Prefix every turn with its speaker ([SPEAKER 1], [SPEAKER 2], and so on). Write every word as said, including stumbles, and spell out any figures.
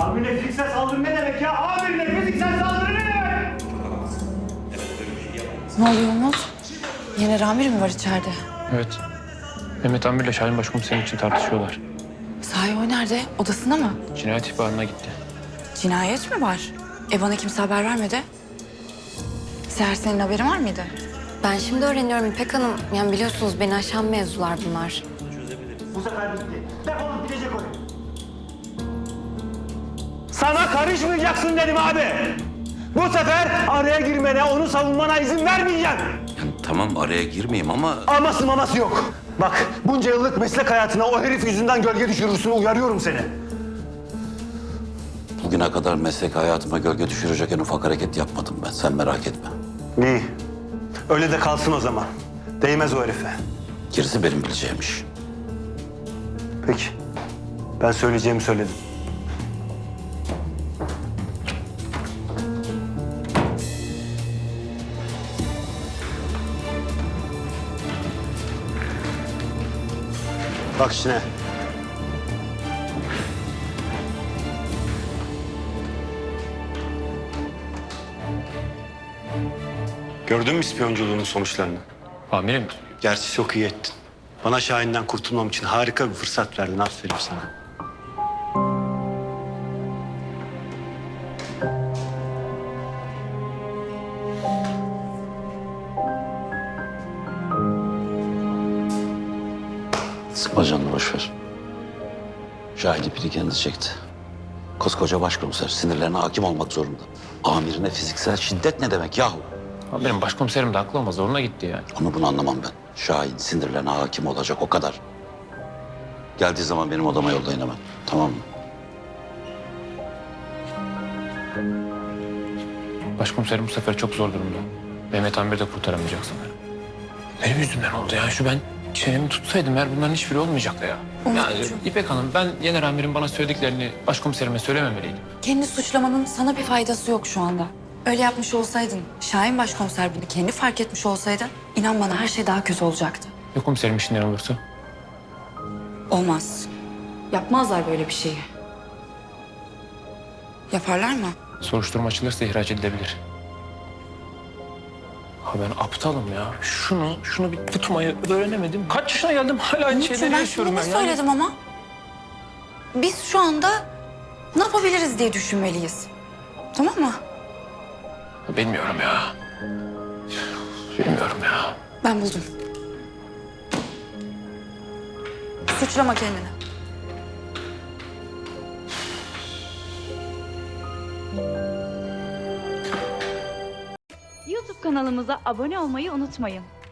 [SPEAKER 1] Amirine fiziksel saldırı ne demek ya? Amirine fiziksel saldırı ne demek?
[SPEAKER 2] Ne oluyor Umut? Yine Ramir mi var içeride?
[SPEAKER 3] Evet. Mehmet Amir'le Şahin Başkomiserim için tartışıyorlar.
[SPEAKER 2] Sahi o nerede? Odasında mı?
[SPEAKER 3] Cinayet ihbarına gitti.
[SPEAKER 2] Cinayet mi var? E bana kimse haber vermedi. Seher senin haberin var mıydı?
[SPEAKER 4] Ben şimdi öğreniyorum İpek Hanım. Yani biliyorsunuz beni aşan mevzular bunlar.
[SPEAKER 1] Bu sefer bitti. Defolup gidecek o. Sana karışmayacaksın dedim abi. Bu sefer araya girmene, onu savunmana izin vermeyeceğim.
[SPEAKER 5] Yani tamam araya girmeyeyim ama
[SPEAKER 1] Aması maması yok. Bak bunca yıllık meslek hayatına o herif yüzünden gölge düşürürsün, uyarıyorum seni.
[SPEAKER 5] bugüne kadar meslek hayatıma gölge düşürecek en ufak hareket yapmadım ben. Sen merak etme.
[SPEAKER 1] İyi. Öyle de kalsın o zaman. Değmez o herife.
[SPEAKER 5] Gerisi benim bileceğim iş.
[SPEAKER 1] Peki. Ben söyleyeceğimi söyledim. Bak işine. Gördün mü ispiyonculuğunun sonuçlarını?
[SPEAKER 3] Amirim,
[SPEAKER 1] Gerçi çok iyi ettin. Bana Şahin'den kurtulmam için harika bir fırsat verdin. Aferin sana.
[SPEAKER 5] Sıkma canını boş ver. Şahin ipini kendi çekti. Koskoca başkomiser sinirlerine hakim olmak zorunda. Amirine fiziksel şiddet ne demek yahu?
[SPEAKER 3] amirim başkomiserim de haklı ama zoruna gitti yani.
[SPEAKER 5] Onu bunu anlamam ben. Şahin sinirlerine hakim olacak o kadar. Geldiği zaman benim odama yollayın hemen. Tamam mı?
[SPEAKER 3] Başkomiserim bu sefer çok zor durumda. Mehmet Amir de kurtaramayacak sanırım. Benim yüzümden oldu ya. Şu ben çenemi tutsaydım eğer bunların hiçbiri olmayacaktı ya. Yani
[SPEAKER 2] Umut'cum.
[SPEAKER 3] İpek Hanım ben Yener Amir'in bana söylediklerini başkomiserime söylememeliydim.
[SPEAKER 2] Kendi suçlamanın sana bir faydası yok şu anda. Öyle yapmış olsaydın, Şahin başkomiser bunu kendi fark etmiş olsaydı, inan bana her şey daha kötü olacaktı.
[SPEAKER 3] Ya komiserim işinden olursa?
[SPEAKER 2] Olmaz. Yapmazlar böyle bir şeyi. Yaparlar mı?
[SPEAKER 3] Soruşturma açılırsa ihraç edilebilir. Ha ben aptalım ya. Şunu, şunu bir tutmayı öğrenemedim. Kaç yaşına geldim hala aynı
[SPEAKER 2] Umut'cum
[SPEAKER 3] şeyleri
[SPEAKER 2] ben
[SPEAKER 3] yaşıyorum
[SPEAKER 2] sana
[SPEAKER 3] ben.
[SPEAKER 2] ne
[SPEAKER 3] Yani-
[SPEAKER 2] söyledim ama? Biz şu anda ne yapabiliriz diye düşünmeliyiz. Tamam mı?
[SPEAKER 3] Bilmiyorum ya. Bilmiyorum ya.
[SPEAKER 2] Ben buldum. Suçlama kendini.
[SPEAKER 6] YouTube kanalımıza abone olmayı unutmayın.